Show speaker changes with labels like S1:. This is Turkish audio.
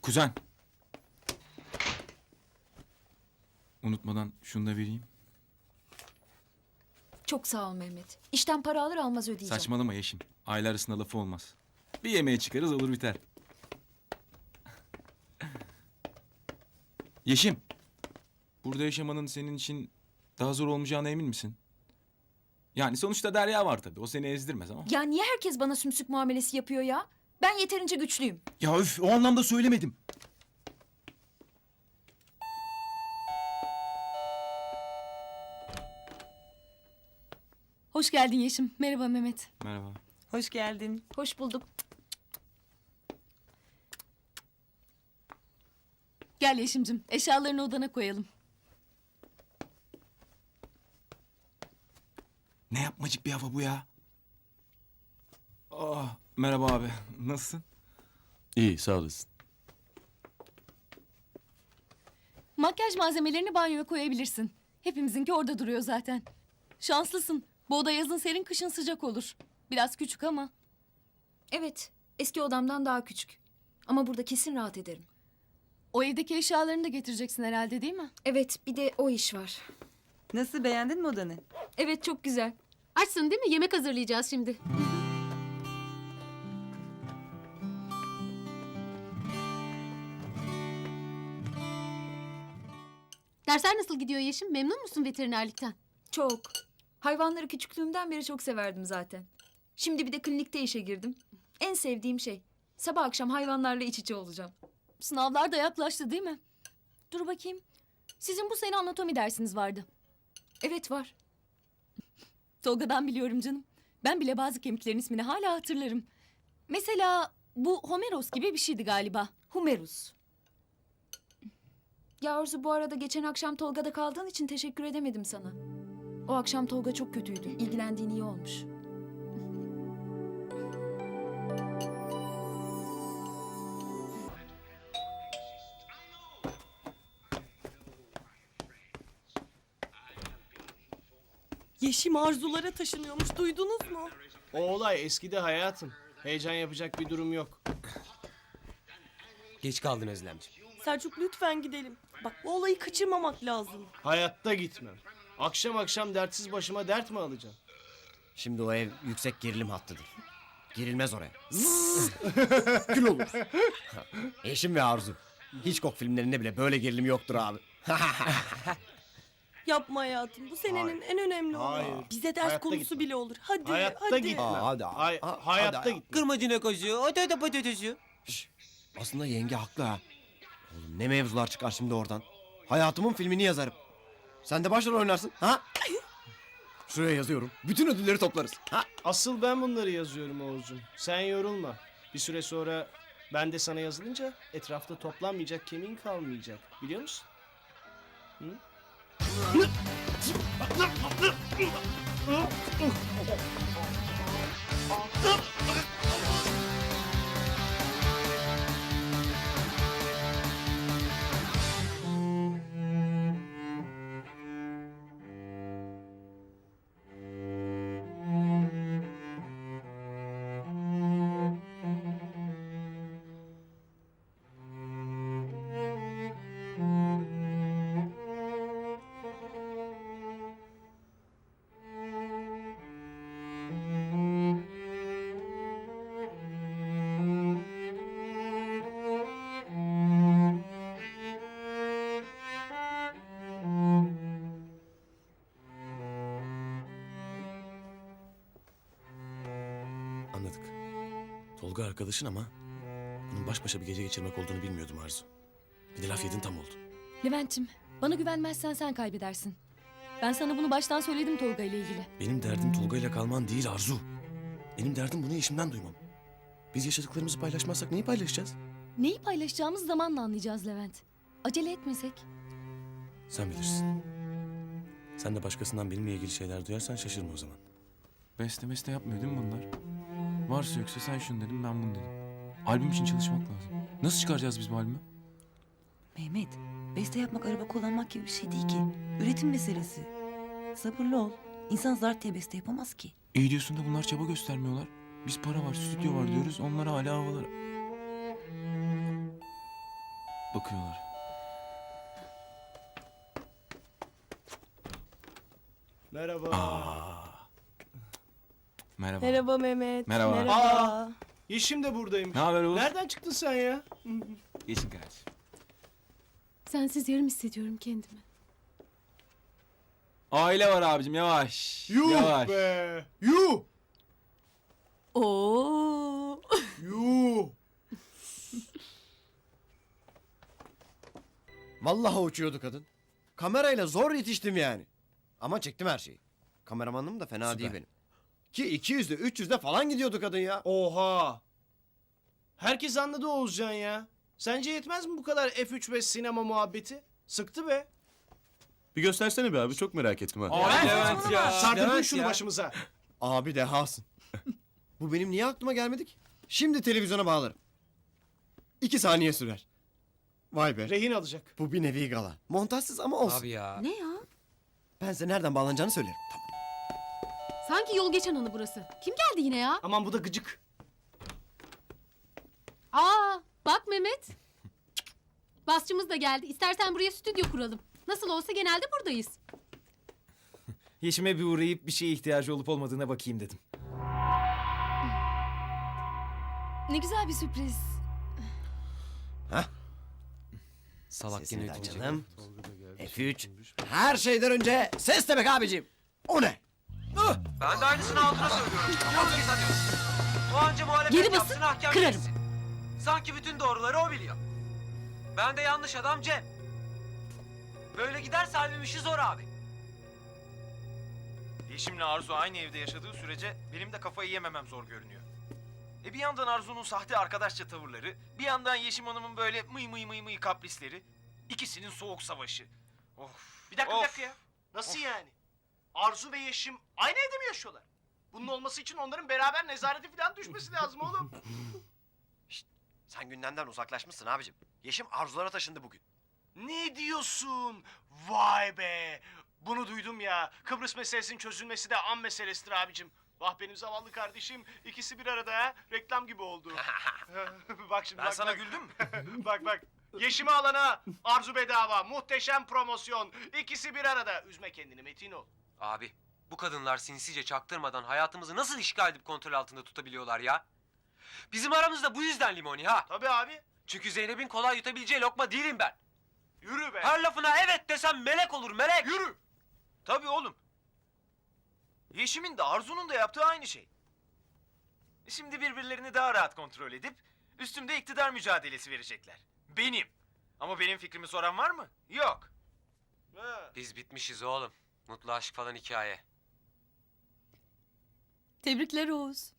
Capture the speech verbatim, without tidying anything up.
S1: Kuzen. Unutmadan şunu da vereyim.
S2: Çok sağ ol Mehmet. İşten para alır almaz ödeyeceğim.
S1: Saçmalama Yeşim. Aile arasında lafı olmaz. Bir yemeğe çıkarız olur biter. Yeşim. Burada yaşamanın senin için daha zor olmayacağına emin misin? Yani sonuçta Derya var tabii. O seni ezdirmez ama.
S2: Ya niye herkes bana sümsük muamelesi yapıyor ya? Ben yeterince güçlüyüm.
S1: Ya üf, o anlamda söylemedim.
S3: Hoş geldin Yeşim. Merhaba Mehmet.
S1: Merhaba.
S4: Hoş geldin.
S2: Hoş bulduk.
S3: Gel Yeşim'cim. Eşyalarını odana koyalım.
S1: Ne yapmacık bir hava bu ya? Ah, merhaba abi. Nasılsın?
S5: İyi, sağ olasın.
S3: Makyaj malzemelerini banyoya koyabilirsin. Hepimizinki orada duruyor zaten. Şanslısın. Bu oda yazın serin, kışın sıcak olur. Biraz küçük ama.
S2: Evet, eski odamdan daha küçük. Ama burada kesin rahat ederim.
S3: O evdeki eşyalarını da getireceksin herhalde, değil mi?
S2: Evet, bir de o iş var.
S4: Nasıl, beğendin mi odanı?
S2: Evet, çok güzel.
S6: Açsın değil mi? Yemek hazırlayacağız şimdi. Dersler nasıl gidiyor Yeşim? Memnun musun veterinerlikten?
S2: Çok. Hayvanları küçüklüğümden beri çok severdim zaten. Şimdi bir de klinikte işe girdim. En sevdiğim şey. Sabah akşam hayvanlarla iç içe olacağım.
S3: Sınavlar da yaklaştı değil mi? Dur bakayım. Sizin bu sene anatomi dersiniz vardı.
S2: Evet var.
S3: Tolga'dan biliyorum canım. Ben bile bazı kemiklerin ismini hala hatırlarım. Mesela bu Homeros gibi bir şeydi galiba.
S2: Humerus. Ya Arzu, bu arada geçen akşam Tolga'da kaldığın için teşekkür edemedim sana. O akşam Tolga çok kötüydü. İlgilendiğin iyi olmuş.
S4: Yeşim arzulara taşınıyormuş, duydunuz mu?
S7: O olay eskidi hayatım. Heyecan yapacak bir durum yok.
S8: Geç kaldın Özlemciğim.
S4: Selçuk lütfen gidelim. Bak bu olayı kaçırmamak lazım.
S7: Hayatta gitmem. Akşam akşam dertsiz başıma dert mi alacağım?
S8: Şimdi o ev yüksek gerilim hattıdır. Girilmez oraya. Gül olur. Eşim ve Arzu. Hitchcock filmlerinde bile böyle gerilim yoktur abi.
S4: Yapma hayatım, bu senenin
S7: Hayır.
S4: en önemli
S7: Hayır.
S4: olayı. Bize ders
S7: Hayatta
S4: konusu
S7: gitmem.
S4: bile olur. Hadi
S7: Hayatta
S4: hadi.
S7: gitmem.
S8: Aa, hadi,
S7: Hay-
S8: ha-
S7: hayatta
S8: hadi.
S7: gitmem.
S8: Kırmacına koşuyor. Öte öte patateşiyor. Aslında yenge haklı ha. Oğlum ne mevzular çıkar şimdi oradan. Hayatımın filmini yazarım. Sen de başrol oynarsın. Ha? Şuraya yazıyorum. Bütün ödülleri toplarız. Ha?
S7: Asıl ben bunları yazıyorum Oğuzcuğum. Sen yorulma. Bir süre sonra ben de sana yazılınca etrafta toplanmayacak kemiğin kalmayacak. Biliyor musun? Hı?
S5: Anladık. Tolga arkadaşın ama bunun baş başa bir gece geçirmek olduğunu bilmiyordum Arzu. Bir de laf yedin tam oldu.
S3: Levent'ciğim, bana güvenmezsen sen kaybedersin. Ben sana bunu baştan söyledim Tolga ile ilgili.
S5: Benim derdim Tolga ile kalman değil Arzu. Benim derdim bunu eşimden duymam. Biz yaşadıklarımızı paylaşmazsak neyi paylaşacağız?
S3: Neyi paylaşacağımız zamanla anlayacağız Levent. Acele etmesek.
S5: Sen bilirsin. Sen de başkasından benimle ilgili şeyler duyarsan şaşırma o zaman.
S1: Beste meste yapmıyor değil mi bunlar? Varsa yoksa sen şunu dedim ben bunu dedim. Albüm için çalışmak lazım. Nasıl çıkaracağız biz bu albümü?
S9: Mehmet, beste yapmak araba kullanmak gibi bir şey değil ki. Üretim meselesi. Sabırlı ol. İnsan zar diye beste yapamaz ki.
S1: İyi diyorsun da bunlar çaba göstermiyorlar. Biz para var, stüdyo var diyoruz. Onlar hala havalar. bakıyorlar.
S7: Merhaba.
S1: Merhaba.
S4: Merhaba Mehmet.
S1: Merhaba.
S7: Aa, Yeşim de buradaymış.
S1: Ne haber Oğuz?
S7: Nereden çıktın sen ya?
S1: Geçin kardeşim.
S6: Sensiz yarım hissediyorum kendimi.
S1: Aile var abicim yavaş.
S7: Yuh
S1: yavaş.
S7: be. Yuh.
S4: Oo.
S7: Yuh.
S8: Vallahi uçuyordu kadın. Kamerayla zor yetiştim yani. Ama çektim her şeyi. Kameramanım da fena
S1: Süper.
S8: değil benim. Ki iki yüzde üç yüzde falan gidiyordu kadın ya.
S7: Oha. Herkes anladı Oğuzcan ya. Sence yetmez mi bu kadar F üç ve sinema muhabbeti? Sıktı be.
S5: Bir göstersene be abi çok merak ettim ha.
S1: Abi Levent ya.
S7: Sardırdın
S1: Levent
S7: şunu
S1: ya.
S7: başımıza.
S8: Abi dehasın. Bu benim niye aklıma gelmedi ki? Şimdi televizyona bağlarım. İki saniye sürer. Vay be.
S7: Rehin alacak.
S8: Bu bir nevi gala. Montajsız ama olsun.
S9: ya. Ne ya?
S8: Ben size nereden bağlanacağını söylerim. Tamam.
S6: Sanki yol geçen anı burası. Kim geldi yine ya?
S7: Aman bu da gıcık.
S6: Aa, bak Mehmet. Basçımız da geldi. İstersen buraya stüdyo kuralım. Nasıl olsa genelde buradayız.
S10: Yeşime bir uğrayıp bir şeye ihtiyacı olup olmadığına bakayım dedim.
S3: Ne güzel bir sürpriz.
S10: Salak
S8: Sesini
S10: yine
S8: de
S10: ötecek.
S8: açalım. F üç. Her şeyden önce ses demek abicim. O ne?
S11: Ben de aynısını altına söylüyorum. Yok ki sanıyorsun. O anca muhalefet
S6: Geri basın,
S11: yapsın, hakem
S6: kırarım.
S11: geçsin. Sanki bütün doğruları o biliyor. Ben de yanlış adam Cem. Böyle giderse albüm işi zor abi. Yeşim'le Arzu aynı evde yaşadığı sürece benim de kafayı yememem zor görünüyor. E bir yandan Arzu'nun sahte arkadaşça tavırları, bir yandan Yeşim Hanım'ın böyle mıy mıy mıy mıy kaprisleri. İkisinin soğuk savaşı. Of.
S7: Bir dakika
S11: of.
S7: bir dakika ya. Nasıl yani? Arzu ve Yeşim aynı evde mi yaşıyorlar? Bunun olması için onların beraber nezarete falan düşmesi lazım oğlum.
S8: Sen gündemden uzaklaşmışsın abicim. Yeşim arzulara taşındı bugün.
S7: Ne diyorsun? Vay be! Bunu duydum ya. Kıbrıs meselesinin çözülmesi de an meselesidir abicim. Vah benim zavallı kardeşim. İkisi bir arada ha. Reklam gibi oldu. Bak şimdi
S11: Ben
S7: bak,
S11: sana
S7: bak.
S11: güldüm mü?
S7: Bak bak. Yeşimi alana Arzu bedava. Muhteşem promosyon. İkisi bir arada. Üzme kendini Metin ol.
S11: Abi bu kadınlar sinsice çaktırmadan hayatımızı nasıl işgal edip kontrol altında tutabiliyorlar ya? Bizim aramızda bu yüzden limoni ha.
S7: Tabii abi.
S11: Çünkü Zeynep'in kolay yutabileceği lokma değilim ben.
S7: Yürü be.
S11: Her lafına evet desem melek olur melek.
S7: Yürü.
S11: Tabii oğlum. Yeşim'in de Arzu'nun da yaptığı aynı şey. Şimdi birbirlerini daha rahat kontrol edip üstümde iktidar mücadelesi verecekler. Benim. Ama benim fikrimi soran var mı? Yok.
S7: Ha.
S11: Biz bitmişiz oğlum. Mutlu aşk falan hikaye.
S4: Tebrikler Oğuz.